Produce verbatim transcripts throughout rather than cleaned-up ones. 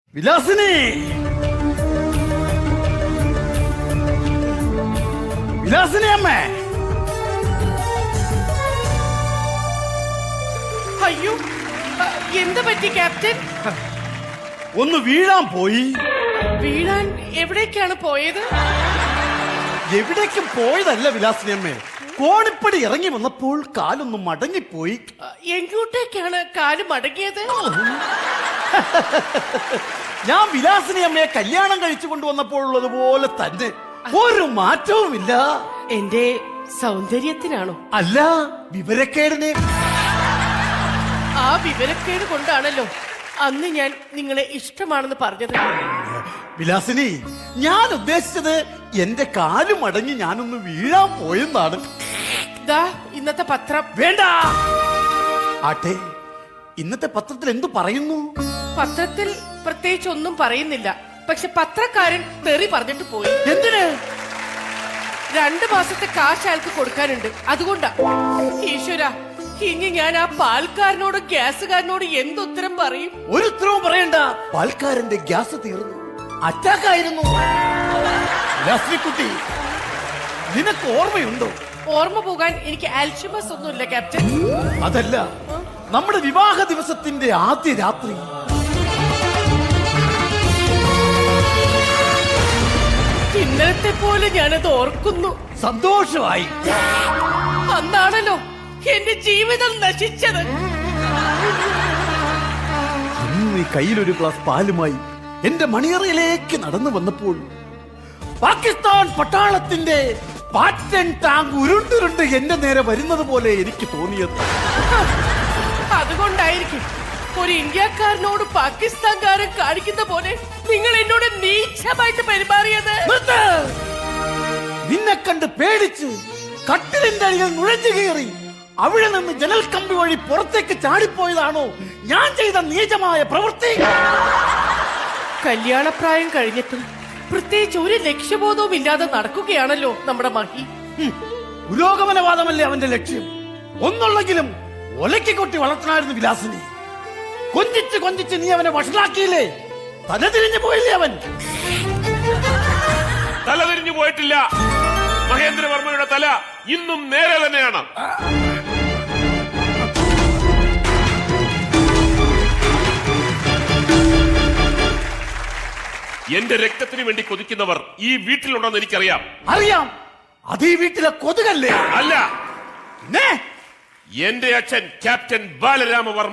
വിലാസിനി, വിലാസിനി അമ്മേ. അയ്യോ, എന്ത് പറ്റി ക്യാപ്റ്റൻ? ഒന്ന് വീഴാൻ പോയി. വീഴാൻ എവിടേക്കാണ് പോയത്? എവിടേക്കും പോയതല്ല വിലാസിനി അമ്മേ, കോണിപ്പടി ഇറങ്ങി വന്നപ്പോൾ കാലൊന്ന് മടങ്ങിപ്പോയി. എങ്ങോട്ടേക്കാണ് കാല് മടങ്ങിയത്? ഞാൻ വിലാസിനി അമ്മയെ കല്യാണം കഴിച്ചു കൊണ്ടുവന്നപ്പോഴുള്ളതുപോലെ തന്നെ, ഒരു മാറ്റവുമില്ല. എന്റെ സൗന്ദര്യത്തിനാണോ? അല്ല, വിവരക്കേടിനെ. ആ വിവരക്കേട് കൊണ്ടാണല്ലോ അന്ന് ഞാൻ നിങ്ങളെ ഇഷ്ടമാണെന്ന് പറഞ്ഞത്. വിലാസിനി, ഞാൻ ഉദ്ദേശിച്ചത് എന്റെ കാല് മടങ്ങി ഞാനൊന്ന് വീഴാൻ പോയെന്നാണ്. ദാ ഇന്നത്തെ പത്രം. വേണ്ട. ആട്ടെ, ഇന്നത്തെ പത്രത്തിൽ എന്തു പറയുന്നു? പത്രത്തിൽ പ്രത്യേകിച്ച് ഒന്നും പറയുന്നില്ല. പക്ഷെ പത്രക്കാരൻ തെറി പറഞ്ഞിട്ട് പോയി. എന്തിന്? രണ്ടു മാസത്തെ കാശ് അയാൾക്ക് കൊടുക്കാനുണ്ട്, അതുകൊണ്ടാ. ഈശ്വര, ഇനി ഞാൻ ആ പാൽക്കാരനോട് ഗ്യാസുകാരനോട് എന്തുത്തരം പറയും? ഒരു ഉത്തരവും പറയണ്ട. പാൽക്കാരന്റെ ഗ്യാസ് തീർന്നു, അറ്റാക്ക് ആയിരുന്നു. കുട്ടി, നിനക്ക് ഓർമ്മയുണ്ടോ? ഓർമ്മ പോകാൻ എനിക്ക് ആൽഷിമസ് ഒന്നുമില്ല ക്യാപ്റ്റൻ. അതല്ല, നമ്മുടെ വിവാഹ ദിവസത്തിന്റെ ആദ്യ രാത്രി ഇന്നലത്തെ പോലെ ഞാനത് ഓർക്കുന്നു. സന്തോഷമായി. അന്നാണല്ലോ എന്റെ ജീവിതം നശിച്ചത്. നീ കയ്യിലൊരു ഗ്ലാസ് പാലുമായി എന്റെ മണിയറയിലേക്ക് നടന്നു വന്നപ്പോൾ പാകിസ്ഥാൻ പട്ടാളത്തിന്റെ പാറ്റൻ ടാങ്ക് ഉരുണ്ടുരുണ്ട് എന്റെ നേരെ വരുന്നത് പോലെ എനിക്ക് തോന്നിയത്. അതുകൊണ്ടായിരിക്കും ഒരു ഇന്ത്യക്കാരനോട് പാകിസ്ഥാൻകാരൻ കാണിക്കുന്ന പോലെ നിങ്ങൾ എന്നോട് നീചമായിട്ട് പെരുമാറിയത്. നിന്നെ കണ്ട് പേടിച്ച് കട്ടിലിന്റെ അടിയിൽ നുഴഞ്ഞു കയറി അവിടെ നിന്ന് ജനൽ കമ്പി വഴി പുറത്തേക്ക് ചാടിപ്പോയതാണോ ഞാൻ ചെയ്ത നീചമായ പ്രവൃത്തി? കല്യാണപ്രായം കഴിഞ്ഞിട്ടും പ്രത്യേകിച്ച് ഒരു ലക്ഷ്യബോധവും ഇല്ലാതെ നടക്കുകയാണല്ലോ നമ്മുടെ മഹി. പുരോഗമനവാദമല്ലേ അവന്റെ ലക്ഷ്യം? ഒന്നുള്ളെങ്കിലും ഒലക്കി കൊട്ടി വളർത്തണമായിരുന്നു വിലാസിനി. കൊഞ്ചിച്ച് കൊഞ്ചിച്ച് നീ അവനെ വഷളാക്കിയില്ലേ? തലതിരിഞ്ഞു പോയില്ലേ അവൻ? തലതിരിഞ്ഞു പോയിട്ടില്ല. മഹേന്ദ്രവർമ്മയുടെ തല ഇന്നും നേരെ തന്നെയാണ്. എന്റെ രക്തത്തിന് വേണ്ടി കൊതിക്കുന്നവർ ഈ വീട്ടിലുണ്ടെന്ന് എനിക്കറിയാം. അറിയാം. അത് ഈ വീട്ടിലെ കൊതുകല്ലേ? അല്ല, എന്റെ അച്ഛൻ ക്യാപ്റ്റൻ ബാലരാമവർമ്മ.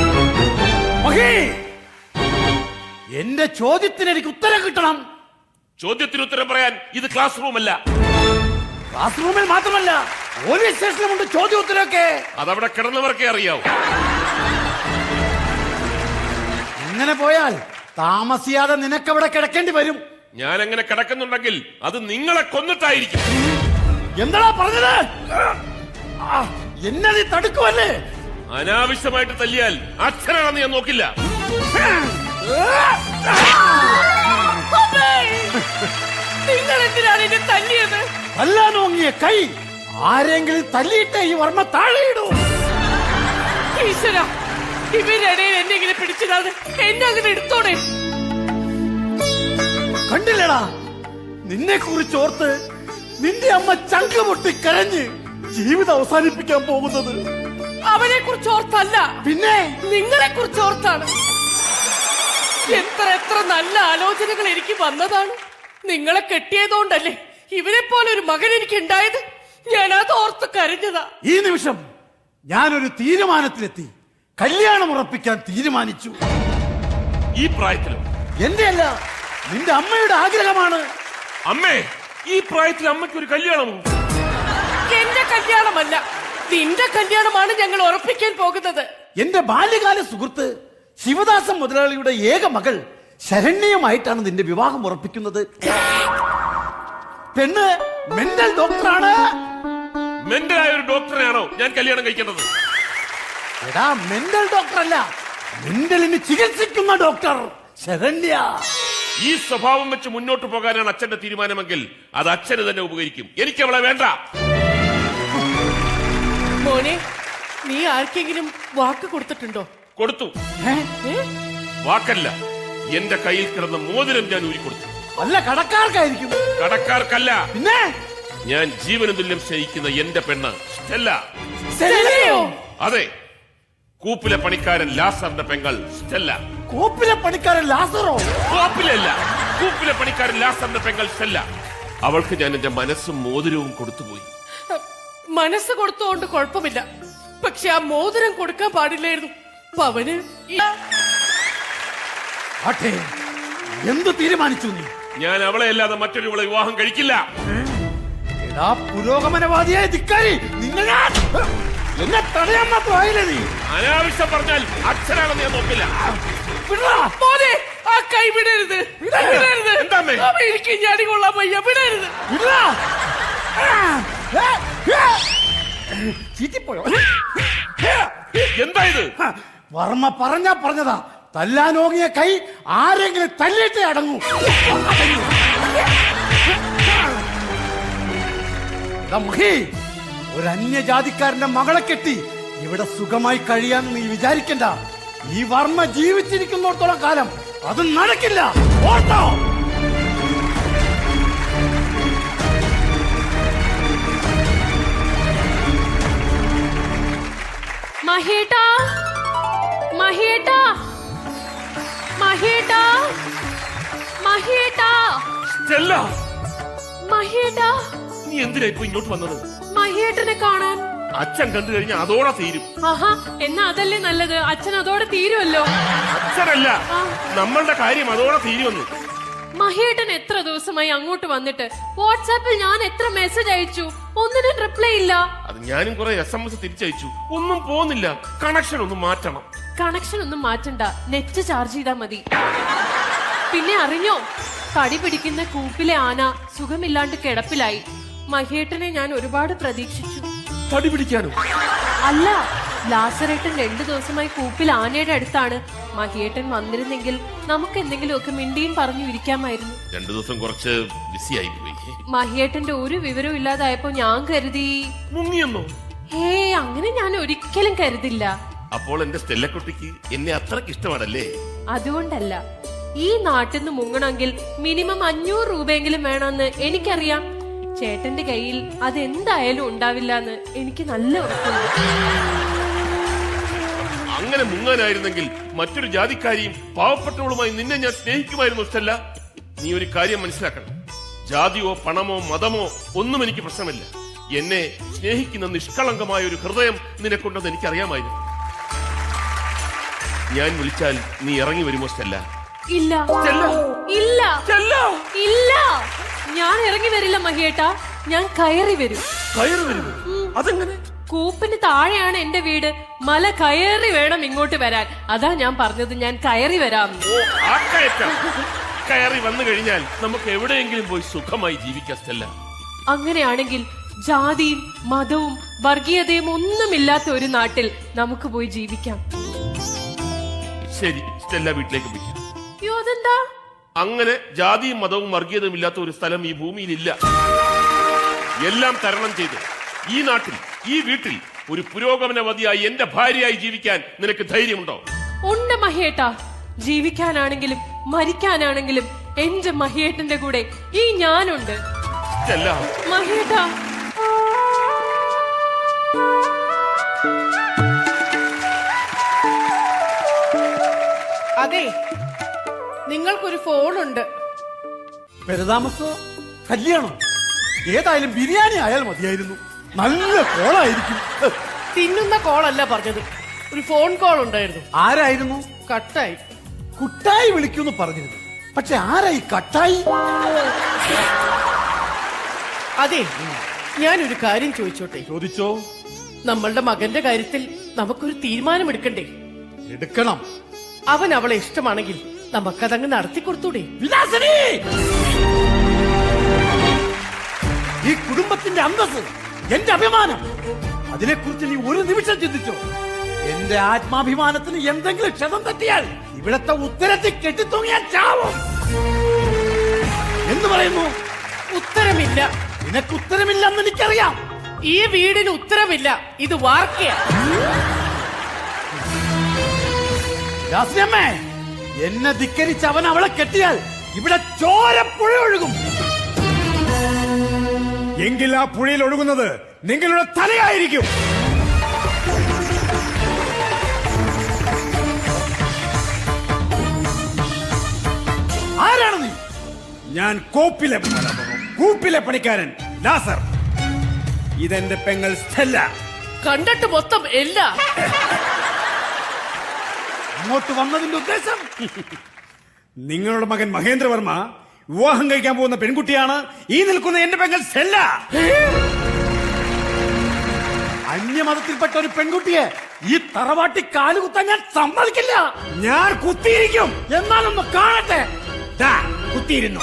എന്റെ ചോദ്യത്തിന് എനിക്ക് ഉത്തരം കിട്ടണം. ചോദ്യത്തിന് ഉത്തരം പറയാൻ ഇത് ക്ലാസ് റൂം അല്ല. ക്ലാസ് റൂമിൽ മാത്രമല്ല, പോലീസ് സ്റ്റേഷനിലുമുണ്ട് ചോദ്യോത്തരമൊക്കെ. അതവിടെ കിടന്നവർക്കേ അറിയാവൂ. ഇങ്ങനെ പോയാൽ താമസിയാതെ നിനക്കവിടെ കിടക്കേണ്ടി വരും. ഞാൻ അങ്ങനെ കിടക്കുന്നുണ്ടെങ്കിൽ അത് നിങ്ങളെ കൊന്നിട്ടായിരിക്കും. എന്താ പറഞ്ഞത്? എന്നെ നീ തടുക്കുവല്ലേ? അനാവശ്യമായിട്ട് തല്ലിയാൽ അച്ഛനാണെന്ന് ഞാൻ നോക്കില്ല. നിങ്ങൾ എന്തിനാണ് എന്നെ തല്ലിയത്? തല്ലാൻ നോങ്ങിയ കൈ ആരെങ്കിലും തല്ലിയിട്ട് ഈ വർമ്മ താഴെയിടൂ. ഈശ്വര, ഇവരിടയിൽ എന്നെ ഇങ്ങനെ പിടിച്ചതാണ്. എന്നെ അങ്ങനെ എടുത്തോടെ. കണ്ടില്ലടാ, നിന്നെ കുറിച്ച് ഓർത്ത് നിന്റെ അമ്മ ചങ്ക് പൊട്ടി കരഞ്ഞ് ജീവിതം അവസാനിപ്പിക്കാൻ പോകുന്നത്. അവനെ കുറിച്ച് ഓർത്തല്ല, പിന്നെ നിങ്ങളെ കുറിച്ച് ഓർത്താണ്. എത്ര എത്ര നല്ല ആലോചനകൾ എനിക്ക് വന്നതാണ്. നിങ്ങളെ കെട്ടിയതുകൊണ്ടല്ലേ ഇവരെ പോലെ ഒരു മകൻ എനിക്ക് ഉണ്ടായത്. ഞാൻ അത് ഓർത്ത് കരഞ്ഞതാ. ഈ നിമിഷം ഞാനൊരു തീരുമാനത്തിലെത്തി. കല്യാണം ഉറപ്പിക്കാൻ തീരുമാനിച്ചു. ഈ പ്രായത്തിലും? എന്റെ അല്ല, നിന്റെ അമ്മയുടെ ആഗ്രഹമാണ്. അമ്മേ, ഈ പ്രായത്തിൽ അമ്മയ്ക്ക് ഒരു കല്യാണമോ? എന്റെ കല്യാണമല്ല, നിന്റെ കല്യാണമാണ് ഞങ്ങൾ ഉറപ്പിക്കാൻ പോകുന്നത്. എന്റെ ബാല്യകാല സുഹൃത്ത് ശിവദാസൻ മുതലാളിയുടെ ഏക മകൾ ശരണ്യയുമായിട്ടാണ് നിന്റെ വിവാഹം ഉറപ്പിക്കുന്നത്. പെണ്ണ് മെന്റൽ ഡോക്ടറാണ്. മെന്റലായ ഒരു ഡോക്ടറെയാണോ ഞാൻ കല്യാണം കഴിക്കേണ്ടത്? എടാ, മെന്റൽ ഡോക്ടർ അല്ല, മെന്റലിന് ചികിത്സിക്കുന്ന ഡോക്ടർ ശരണ്യ. ഈ സ്വഭാവം വെച്ച് മുന്നോട്ട് പോകാനാണ് അച്ഛന്റെ തീരുമാനമെങ്കിൽ അത് അച്ഛന് തന്നെ ഉപകരിക്കും. എനിക്ക് അവളെ വേണ്ട. മോനെ, നീ ആർക്കെങ്കിലും വാക്ക് കൊടുത്തിട്ടുണ്ടോ? കൊടുത്തു. ഏ? വാക്കല്ല, എന്റെ കയ്യിൽ കിടന്ന മോതിരം ഞാൻ ഊരിക്കൊടുത്തു. അല്ല, കടക്കാർക്കായിരിക്കും. കടക്കാർക്കല്ല, പിന്നെ ഞാൻ ജീവന തുല്യം സ്നേഹിക്കുന്ന എന്റെ പെണ്ണ് സ്റ്റെല്ല. സ്റ്റെല്ലയോ? അതെ, കൂപ്പിലെ പണിക്കാരൻ ലാസറിന്റെ പെങ്ങൾ സ്റ്റെല്ല. കോപ്പിലെ പണിക്കാരൻ ലാസറോ? കൂപ്പിലല്ല, കൂപ്പിലെ പണിക്കാരൻ ലാസറിന്റെ പെങ്ങൾ സ്റ്റെല്ല. അവൾക്ക് ഞാൻ എന്റെ മനസ്സും മോതിരവും കൊടുത്തുപോയി. മനസ്സ് കൊടുത്തോണ്ട് കുഴപ്പമില്ല, പക്ഷെ ആ മോതിരം കൊടുക്കാൻ പാടില്ലായിരുന്നു. പവന് ഈ- ആട്ടെ, എന്ത് തീരുമാനിച്ചു നീ? ഞാൻ അവളെ അല്ലാതെ മറ്റൊരുവളെ വിവാഹം കഴിക്കില്ല. എടാ പുരോഗമനവാദിയായ ധിക്കാരി, നിന്നെ ഞാൻ എന്നെ തടയാൻ മാത്രമായില്ലേ നീ? അനാവശ്യം പറഞ്ഞാൽ അച്ഛനാണെന്ന് ഞാൻ നോക്കില്ല. വിടടാ. മോനെ, ആ കൈ വിടരുത്, വിടരുത്. എന്താമ്മേ? അവൻ എനിക്ക് ഞാടി കൊള്ളാൻ വയ്യ, വിടരുത്. വിടടാ. ആ, ഏ, ഏ. ചീറ്റിപ്പോയോ? എന്താ ഇത്? ഹ, വർമ്മ പറഞ്ഞാ പറഞ്ഞതാ, തല്ലാനോങ്ങിയ കൈ ആരെങ്കിലും തല്ലിയിട്ടേ അടങ്ങൂ. എടാ മഹി, ഒരു അന്യജാതിക്കാരന്റെ മകളെ കെട്ടി ഇവിടെ സുഖമായി കഴിയാൻ നീ വിചാരിക്കണ്ട. ഈ വർമ്മ ജീവിച്ചിരിക്കുന്നിടത്തോളം കാലം അത് നടക്കില്ല, ഓർത്തോ? മഹേട്ടാ, മഹേട്ടാ, മഹേട്ടാ, മഹേട്ടാ, സ്റ്റെല്ല, മഹേട്ടാ. നീ എന്തിനാ ഇപ്പൊ ഇങ്ങോട്ട് വന്നത്? മഹേട്ടനെ കാണാൻ. അച്ഛൻ കണ്ടു കഴിഞ്ഞാൽ അതോടെ തീരും. ആഹാ, എന്നാ അതല്ലേ നല്ലത്, അച്ഛൻ അതോടെ തീരുമല്ലോ. അച്ഛനല്ല, നമ്മളുടെ കാര്യം അതോടെ തീരുമെന്ന്. മഹേട്ടൻ എത്ര ദിവസമായി അങ്ങോട്ട് വന്നിട്ട്? വാട്സാപ്പിൽ ഞാൻ എത്ര മെസ്സേജ് അയച്ചു, ഒന്നിനും റിപ്ലൈ ഇല്ല. അത് ഞാനും കുറെ എസ് എം എസ് തിരിച്ചയച്ചു, ഒന്നും പോകുന്നില്ല. കണക്ഷൻ ഒന്ന് മാറ്റണം. കണക്ഷൻ ഒന്നും മാറ്റണ്ട, നെറ്റ് ചാർജ് ചെയ്താ മതി. പിന്നെ അറിഞ്ഞോ, കടി പിടിക്കുന്ന കൂപ്പിലെ ആന സുഖമില്ലാണ്ട് കിടപ്പിലായി. മഹേട്ടനെ ഞാൻ ഒരുപാട് പ്രതീക്ഷിച്ചു. തടി പിടിക്കാനോ? അല്ല, ലാസറേട്ടൻ രണ്ടു ദിവസമായി കൂപ്പിൽ ആനയുടെ അടുത്താണ്. മഹിയേട്ടൻ വന്നിരുന്നെങ്കിൽ നമുക്ക് എന്തെങ്കിലുമൊക്കെ മിണ്ടിയും പറഞ്ഞു ഇരിക്കാമായിരുന്നു. രണ്ടു ദിവസം കുറച്ച് ബിസി ആയി പോയി. മഹിയേട്ടന്റെ ഒരു വിവരവും ഇല്ലാതായപ്പോ ഞാൻ കരുതി. മുങ്ങിയെന്നോ? ഹേ, അങ്ങനെ ഞാൻ ഒരിക്കലും കരുതില്ല. അപ്പോൾ എന്റെ സ്റ്റെല്ലക്കുട്ടിക്ക് എന്നെ അത്രക്ക് ഇഷ്ടമാണല്ലേ? അതുകൊണ്ടല്ല, ഈ നാട്ടിൽ നിന്ന് മുങ്ങണമെങ്കിൽ മിനിമം അഞ്ഞൂറ് രൂപയെങ്കിലും വേണമെന്ന് എനിക്കറിയാം. ചേട്ടന്റെ കയ്യിൽ അതെന്തായാലും ഉണ്ടാവില്ല എന്ന് എനിക്ക് നല്ല ഉറപ്പുണ്ട്. അങ്ങനെ മുങ്ങാനായിരുന്നെങ്കിൽ മറ്റൊരു ജാതിക്കാരിയും പാവപ്പെട്ടവളുമായി നിന്നെ ഞാൻ സ്നേഹിക്കുമായിരുന്നു. സ്റ്റെല്ല, നീ ഒരു കാര്യം മനസ്സിലാക്കണം. ജാതിയോ പണമോ മതമോ ഒന്നും എനിക്ക് പ്രശ്നമില്ല. എന്നെ സ്നേഹിക്കുന്ന നിഷ്കളങ്കമായ ഒരു ഹൃദയം നിനക്കുണ്ടെന്ന് എനിക്കറിയാമായിരുന്നു. ഞാൻ വിളിച്ചാൽ നീ ഇറങ്ങി വരുമോ സ്റ്റെല്ല? ഇല്ല, സ്റ്റെല്ല, ഇല്ല, സ്റ്റെല്ല. ഇല്ല, ഞാൻ ഇറങ്ങി വരില്ല മഹിയേട്ടാ, ഞാൻ കയറി വരും. കയറി വരുമോ? അതെങ്ങനെ? കൂപ്പിന് താഴെയാണ് എന്റെ വീട്, മല കയറി വേണം ഇങ്ങോട്ട് വരാൻ. അതാ ഞാൻ പറഞ്ഞത്, ഞാൻ കയറി വരാം. ഓ, ആ കയറ്റം. കയറി വന്നു കഴിഞ്ഞാൽ നമുക്ക് എവിടെയെങ്കിലും പോയി സുഖമായി ജീവിക്കാം സ്റ്റെല്ല. അങ്ങനെയാണെങ്കിൽ ജാതിയും മതവും വർഗീയതയും ഒന്നുമില്ലാത്ത ഒരു നാട്ടിൽ നമുക്ക് പോയി ജീവിക്കാം. ശരി, സ്റ്റെല്ല വീട്ടിലേക്ക് പോയി. അയ്യോ, അതെന്താ? അങ്ങനെ ജാതിയും മതവും വർഗീയതയും ഇല്ലാത്ത ഒരു സ്ഥലം ഈ ഭൂമിയിലില്ല. എല്ലാം തരണം ചെയ്ത് ഈ നാട്ടിൽ, ഈ വീട്ടിൽ ഒരു പുരോഗമനവതിയായി എന്റെ ഭാര്യയായി ജീവിക്കാൻ നിനക്ക് ധൈര്യമുണ്ടോ? ഉണ്ട് മഹിയേട്ടാ, ജീവിക്കാനാണെങ്കിലും മരിക്കാനാണെങ്കിലും എന്റെ മഹിയേട്ടന്റെ കൂടെ ഈ ഞാനുണ്ട്. സ്റ്റെല്ല, മഹിയേട്ടാ, അതെ, നിങ്ങൾക്കൊരു ഫോണുണ്ട്. പെരുതാമസോ കല്യാണം ഏതായാലും ബിരിയാണി ആയാൽ മതിയായിരുന്നു. നല്ല കോളായിരിക്കും. തിന്നുന്ന കോളല്ല പറഞ്ഞത്, ഒരു ഫോൺ കോൾ ഉണ്ടായിരുന്നു. ആരായിരുന്നു? കട്ടായി. കുട്ടായി വിളിക്കൂന്ന് പറഞ്ഞിരുന്നു, പക്ഷെ ആരായി കട്ടായി? അതെ, ഞാനൊരു കാര്യം ചോദിച്ചോട്ടെ? ചോദിച്ചോ. നമ്മളുടെ മകന്റെ കാര്യത്തിൽ നമുക്കൊരു തീരുമാനമെടുക്കണ്ടേ? എടുക്കണം. അവൻ അവളെ ഇഷ്ടമാണെങ്കിൽ നമുക്കതങ്ങ് നടത്തി കൊടുത്തൂടെ? വിലാസിനി, ഈ കുടുംബത്തിന്റെ അന്തസ്, എന്റെ അഭിമാനം, അതിനെക്കുറിച്ച് നീ ഒരു നിമിഷം ചിന്തിച്ചോ? എന്റെ ആത്മാഭിമാനത്തിന് എന്തെങ്കിലും ക്ഷതം തട്ടിയാൽ ഇവിടത്തെ ഉത്തരത്തിൽ കെട്ടിത്തൂങ്ങിയാൽ ചാവും. എന്ന് പറയുന്നു. ഉത്തരമില്ല. നിനക്ക് ഉത്തരമില്ലെന്ന് എനിക്കറിയാം. ഈ വീടിന് ഉത്തരമില്ല, ഇത് വാർക്കയാ. വിലാസിനിയമ്മേ, എന്നെ ധിക്കരിച്ച് അവൻ അവളെ കെട്ടിയാൽ ഇവിടെ ചോരപ്പുഴ ഒഴുകും. എങ്കിൽ ആ പുഴയിൽ ഒഴുകുന്നത് നിങ്ങളുടെ തലയായിരിക്കും. ആരാണ് നീ? ഞാൻ കോപ്പിലെ കൂപ്പിലെ പണിക്കാരൻ ലാസർ. ഇതെന്റെ പെങ്ങൾ സ്റ്റെല്ല. കണ്ടിട്ട് മൊത്തം എല്ല. അങ്ങോട്ട് വന്നതിന്റെ ഉദ്ദേശം? നിങ്ങളുടെ മകൻ മഹേന്ദ്രവർമ്മ വിവാഹം കഴിക്കാൻ പോകുന്ന പെൺകുട്ടിയാണ് ഈ നിൽക്കുന്ന എന്റെ പെങ്ങൾ സ്റ്റെല്ല. അന്യമതത്തിൽപ്പെട്ട ഒരു പെൺകുട്ടിയെ ഈ തറവാട്ടി കാലുകുത്താൻ ഞാൻ സമ്മതിക്കില്ല. ഞാൻ കുത്തിയിരിക്കും. എന്നാലൊന്ന് കാണട്ടെ. ദാ, കുത്തിയിരുന്നു.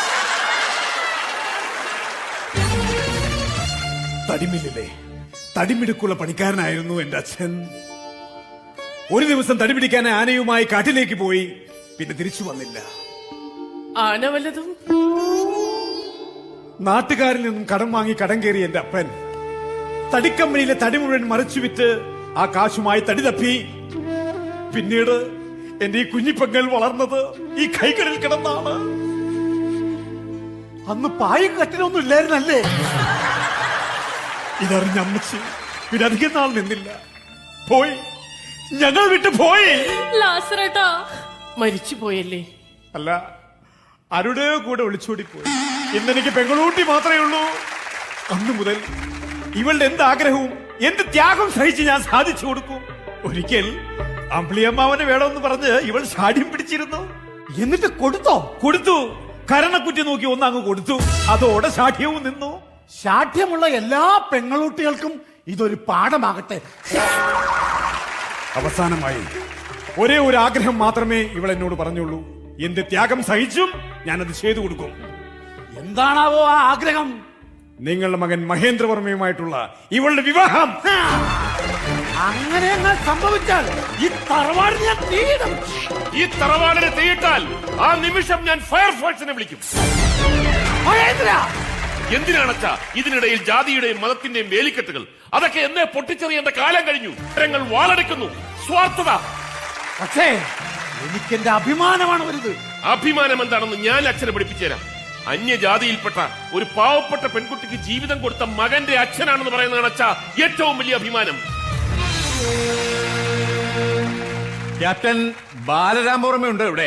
തടിമില്ലിലെ തടിമിടുക്കുള്ള പണിക്കാരനായിരുന്നു എന്റെ അച്ഛൻ. ഒരു ദിവസം തടിപിടിക്കാൻ ആനയുമായി കാട്ടിലേക്ക് പോയി, പിന്നെ തിരിച്ചു വന്നില്ല. ആന വല്ലതും? നാട്ടുകാരിൽ നിന്നും കടം വാങ്ങി കടം കയറി എന്റെ അപ്പൻ തടിക്കമ്പനിയിലെ തടി മുഴുവൻ മറിച്ചു വിറ്റ് ആ കാശുമായി തടി തപ്പി. പിന്നീട് എന്റെ ഈ കുഞ്ഞിപ്പെങ്ങൾ വളർന്നത് ഈ കൈകളിൽ കിടന്നാണ്. അന്ന് പായും കട്ടിലൊന്നും ഇല്ലായിരുന്നല്ലേ? ഇതറിഞ്ഞ അമ്മച്ചി പിന്നെ അധികം നാൾ നിന്നില്ല, പോയി. ഞങ്ങൾ വിട്ടു പോയി. ലാസറേട്ടാ, മരിച്ചു പോയല്ലേ? അല്ല, ആരുടെയോ കൂടെ ഒളിച്ചോടിപ്പോയി. ഇന്നെനിക്ക് പെങ്ങളൂട്ടി മാത്രമേ ഉള്ളൂ. അന്നു മുതൽ ഇവളുടെ എന്ത് ആഗ്രഹവും എന്ത് ത്യാഗം സഹിച്ച് ഞാൻ സാധിച്ചു കൊടുക്കും. ഒരിക്കൽ അമ്പിളിയമ്മാവനെ വേണമെന്ന് പറഞ്ഞ് ഇവൾ ഷാഠ്യം പിടിച്ചിരുന്നു. എന്നിട്ട് കൊടുത്തോ? കൊടുത്തു. കരണക്കുറ്റി നോക്കി ഒന്നങ്ങ് കൊടുത്തു. അതോടെ ഷാഠ്യവും നിന്നു. ശാഠ്യമുള്ള എല്ലാ പെങ്ങളൂട്ടികൾക്കും ഇതൊരു പാഠമാകട്ടെ. അവസാനമായി ഒരേ ഒരു ആഗ്രഹം മാത്രമേ ഇവൾ എന്നോട് പറഞ്ഞുള്ളൂ. എന്ത് ത്യാഗം സഹിച്ചും ഞാനത് ചെയ്തു കൊടുക്കും. എന്താണാവോ ആ ആഗ്രഹം? നിങ്ങളുടെ മകൻ മഹേന്ദ്രവർമ്മയുമായിട്ടുള്ള ഇവളുടെ വിവാഹം. അങ്ങനെ എന്നാൽ സംഭവിച്ചാൽ ഈ തറവാട് ഞാൻ തീയിടും. ഈ തറവാടിനെ തീയിട്ടാൽ ആ നിമിഷം ഞാൻ ഫയർഫോഴ്സിനെ വിളിക്കും. മഹേന്ദ്ര, എന്തിനാണച്ചാ ഇതിനിടയിൽ ജാതിയുടെയും മതത്തിന്റെയും വേലിക്കെട്ടുകൾ? അതൊക്കെ എന്നെ പൊട്ടിച്ചെറിയേണ്ട കാലം കഴിഞ്ഞു. ജനങ്ങൾ വാളെടുക്കുന്നു. സ്വാർത്ഥത. പക്ഷേ എനിക്കെന്റെ അഭിമാനമാണ് വലുത്. അഭിമാനം എന്താണെന്ന് ഞാൻ അച്ഛനെ പഠിപ്പിച്ചു തരാം. അന്യജാതിയിൽപ്പെട്ട ഒരു പാവപ്പെട്ട പെൺകുട്ടിക്ക് ജീവിതം കൊടുത്ത മകന്റെ അച്ഛനാണെന്ന് പറയുന്നതാണ് അച്ഛാ ഏറ്റവും വലിയ അഭിമാനം. ക്യാപ്റ്റൻ ബാലരാമവർമ്മയുണ്ട് ഇവിടെ.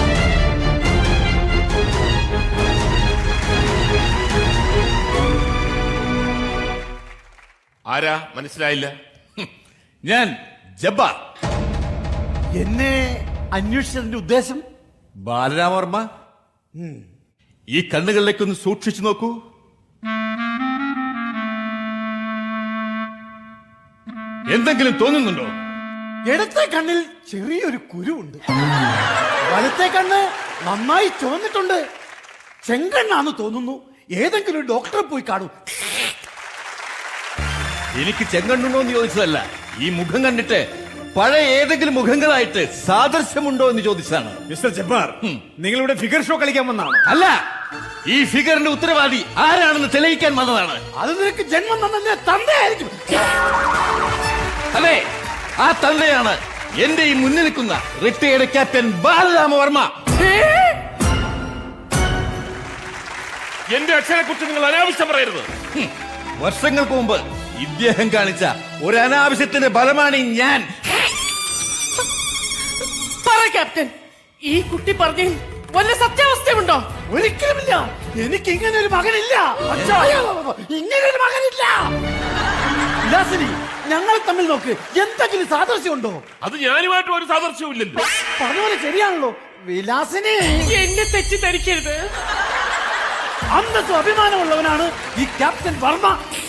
ആരാ? മനസ്സിലായില്ല. ഞാൻ ജബ്ബാർ. എന്നെ അന്വേഷിച്ചതിന്റെ ഉദ്ദേശം? ബാലരാമവർമ്മ, ഈ കണ്ണുകളിലേക്കൊന്ന് സൂക്ഷിച്ചു നോക്കൂ. എന്തെങ്കിലും തോന്നുന്നുണ്ടോ? ഇടത്തെ കണ്ണിൽ ചെറിയൊരു കുരുവുണ്ട്. വലത്തെ കണ്ണ് നന്നായി ചുവന്നിട്ടുണ്ട്. ചെങ്കണ്ണാന്ന് തോന്നുന്നു. ഏതെങ്കിലും ഒരു ഡോക്ടറെ പോയി കാണൂ. എനിക്ക് ചെങ്കണ്ണുണ്ടോ എന്ന് ചോദിച്ചതല്ല, ഈ മുഖം കണ്ടിട്ട് പഴയ ഏതെങ്കിലും മുഖങ്ങളായിട്ട് സാദൃശ്യമുണ്ടോ എന്ന് ചോദിച്ചതാണ്. മിസ്റ്റർ ജബ്ബാർ, നിങ്ങളിവിടെ ഫിഗർ ഷോ കളിക്കാൻ വന്നാണ്? അല്ല, ഈ ഫിഗറിന്റെ ഉത്തരവാദി ആരാണെന്ന് തെളിയിക്കാൻ വന്നതാണ്. അത് നിനക്ക് ജന്മം തന്നെ തന്തയായിരിക്കും. അതെ, ആ തന്തയാണ് എന്റെ ഈ മുന്നിൽ നിൽക്കുന്ന റിട്ടയർഡ് ക്യാപ്റ്റൻ ബാലരാമവർമ്മ. എന്റെ അച്ഛനെ കുറിച്ച് നിങ്ങൾ അനാവശ്യം പറയരുത്. ഹും, വർഷങ്ങൾക്ക് മുമ്പ് ഇദ്ദേഹം കാണിച്ച ഒരു അനാവശ്യത്തിന്റെ ഫലമാണ് ഈ ഞാൻ. പറ ക്യാപ്റ്റൻ, ഈ കുട്ടി പറഞ്ഞ വല്ല സത്യാവസ്ഥയുണ്ടോ? ഒരിക്കലുമില്ല. എനിക്ക് ഇങ്ങനെ ഒരു മകനില്ല. ഇങ്ങനെ ഒരു മകനില്ല. വിലാസിനി, ഞങ്ങൾ തമ്മിൽ നോക്ക്. എന്തെങ്കിലും സാദൃശ്യമുണ്ടോ? അത് ഞാനുമായിട്ട് ഒരു സാദൃശ്യവും ഇല്ലല്ലോ. പറഞ്ഞപോലെ ശരിയാണല്ലോ വിലാസിനി. എന്നെ തെറ്റിദ്ധരിക്കരുത്. അന്നത്തെ അഭിമാനമുള്ളവനാണ് ഈ ക്യാപ്റ്റൻ വർമ്മ.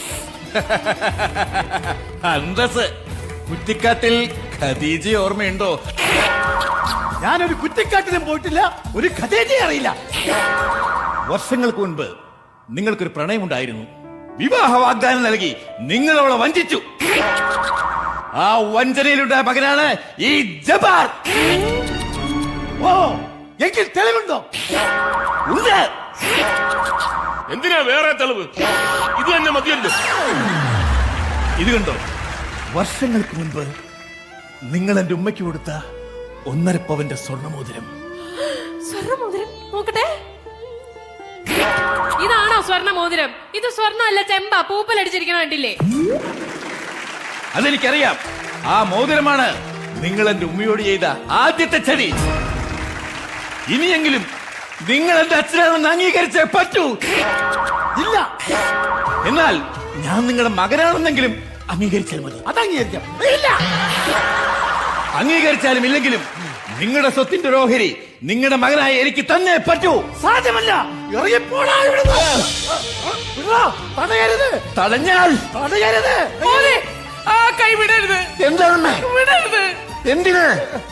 അന്തസ്. കുറ്റിക്കാട്ടിൽ ഖദീജ ഓർമ്മയുണ്ടോ? ഞാനൊരു കുറ്റിക്കാട്ടിലും പോയിട്ടില്ല, ഒരു ഖദീജയെ അറിയില്ല. വർഷങ്ങൾക്ക് മുൻപ് നിങ്ങൾക്കൊരു പ്രണയമുണ്ടായിരുന്നു. വിവാഹ വാഗ്ദാനം നൽകി നിങ്ങൾ അവളെ വഞ്ചിച്ചു. ആ വഞ്ചനയിലുണ്ടായ മകനാണ് ഈ ജബ്ബാർ. ഓ, എങ്കിൽ തെളിവുണ്ടോ? ഉണ്ട്. എന്തിനാ വേറെ തെളിവ്? ഇത് തന്നെ മതിയല്ലോ. ഇത് കണ്ടോ? വർഷങ്ങൾക്ക് മുൻപ് നിങ്ങൾ എന്റെ ഉമ്മയ്ക്ക് കൊടുത്ത ഒന്നര പവന്റെ സ്വർണ്ണമോതിരം. സ്വർണ്ണമോതിരം നോക്കട്ടെ. ഇതാണോ സ്വർണ്ണമോതിരം? ഇത് സ്വർണ്ണമല്ല, ചെമ്പ. പൂപ്പലടിച്ചിരിക്കണ കണ്ടില്ലേ? അതെനിക്കറിയാം. ആ മോതിരമാണ് നിങ്ങൾ എന്റെ ഉമ്മയോട് ചെയ്ത ആദ്യത്തെ ചതി. ഇനിയെങ്കിലും നിങ്ങൾ എന്റെ അച്ഛനാണെന്ന് അംഗീകരിച്ചേ പറ്റൂ. ഇല്ല, എന്നാൽ ഞാൻ നിങ്ങളുടെ മകനാണെന്നെങ്കിലും അംഗീകരിച്ചാൽ മതി. അത് അംഗീകരിക്കാം. ഇല്ല, അംഗീകരിച്ചാലും ഇല്ലെങ്കിലും നിങ്ങളുടെ സ്വത്തിന്റെ ഒരു ഓഹരി നിങ്ങളുടെ മകനായി എനിക്ക് തന്നെ പറ്റൂ. സാധ്യമല്ല. ഇറങ്ങിപ്പോടാ ഇവിടുന്ന്. വിടാ, തടയരുത്, തടഞ്ഞാൽ തടയരുത്. മോനെ, ആ കൈ വിടരുത്, എന്താണ്? വിടരുത്. എന്തിന്?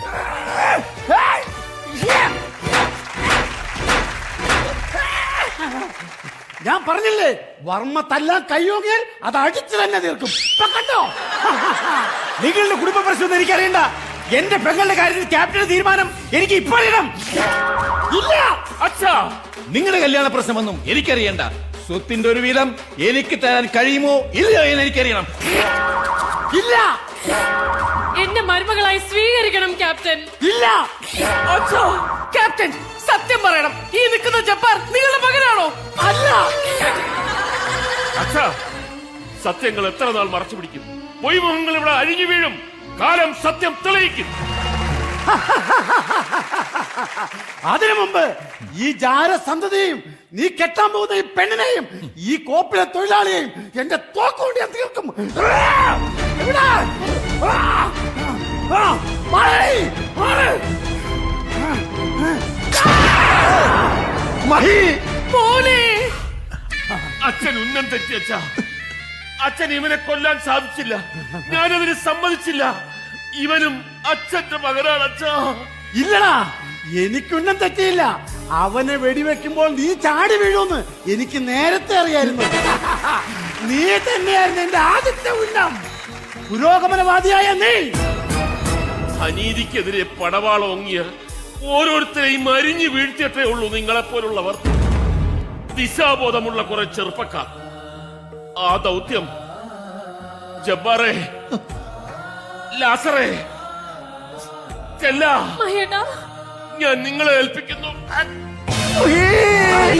ഞാൻ പറഞ്ഞില്ലേ, വർമ്മ തല്ലാൻ കയ്യോങ്ങിയാൽ അത് അടിച്ചു തന്നെ തീർക്കും. ഇപ്പൊ കണ്ടോ? നിങ്ങളുടെ കുടുംബ പ്രശ്നം എനിക്കറിയണ്ട. എന്റെ പെങ്ങളുടെ കാര്യത്തിൽ ക്യാപ്റ്റന്റെ തീരുമാനം എനിക്ക് ഇപ്പോഴിടാം. ഇല്ല, അച്ഛാ, നിങ്ങളുടെ കല്യാണ പ്രശ്നമൊന്നും എനിക്കറിയണ്ട. സ്വത്തിന്റെ ഒരു വീതം എനിക്ക് തരാൻ കഴിയുമോ ഇല്ലയോ എന്ന് എനിക്കറിയണം. ഇല്ല, എന്നെ മരുമകളായി സ്വീകരിക്കണം ക്യാപ്റ്റൻ. ഇല്ല. അച്ഛാ, ക്യാപ്റ്റൻ സത്യം പറയണം. ഈ നിൽക്കുന്ന ജബ്ബാർ നിങ്ങളുടെ മകനാണോ? അല്ല. അച്ഛാ, സത്യങ്ങൾ എത്ര നാൾ മറച്ചു പിടിക്കും? പൊയ്മുഖങ്ങൾ ഇവിടെ അഴിഞ്ഞു വീഴും. കാലം സത്യം തെളിയിക്കും. അതിനു മുമ്പ് ഈ ജാരസന്തതിയെയും നീ കെട്ടാൻ പോകുന്ന ഈ പെണ്ണിനെയും ഈ കോപ്പിലെ തൊഴിലാളിയെയും എന്റെ തോക്കുകൊണ്ട് ഞാൻ തീർക്കും. ഇവിടെ. ആ, ആ, മാറി, മാറി. മഹി, മോനെ, അച്ഛൻ ഉന്നം തെറ്റി അച്ഛാ. അച്ഛൻ ഇവനെ കൊല്ലാൻ സാധിച്ചില്ല. ഞാനതിന് സമ്മതിച്ചില്ല. ഇവനും അച്ഛന്റെ മകനാണ് അച്ഛാ. ഇല്ലടാ, എനിക്കൊന്നും തെറ്റിയില്ല. അവനെ വെടിവെക്കുമ്പോൾ നീ ചാടി വീഴുമെന്ന് എനിക്ക് നേരത്തെ അറിയായിരുന്നു. നീ തന്നെയായിരുന്നു എന്റെ ആദ്യത്തെ ഉന്നം. പുരോഗമനവാദിയായ നീ. അനീതിക്കെതിരെ പടവാളം ഓങ്ങിയ ഓരോരുത്തരെയും അരിഞ്ഞു വീഴ്ത്തിയിട്ടേ ഉള്ളൂ നിങ്ങളെപ്പോലുള്ളവർ. ദിശാബോധമുള്ള കുറെ ചെറുപ്പക്കാർ. ആ ദൗത്യം ജബ്ബാറെ, ലാസറെ, ചെല്ല, മഹേട്ടാ, ഞാൻ നിങ്ങളെ ഏൽപ്പിക്കുന്നു.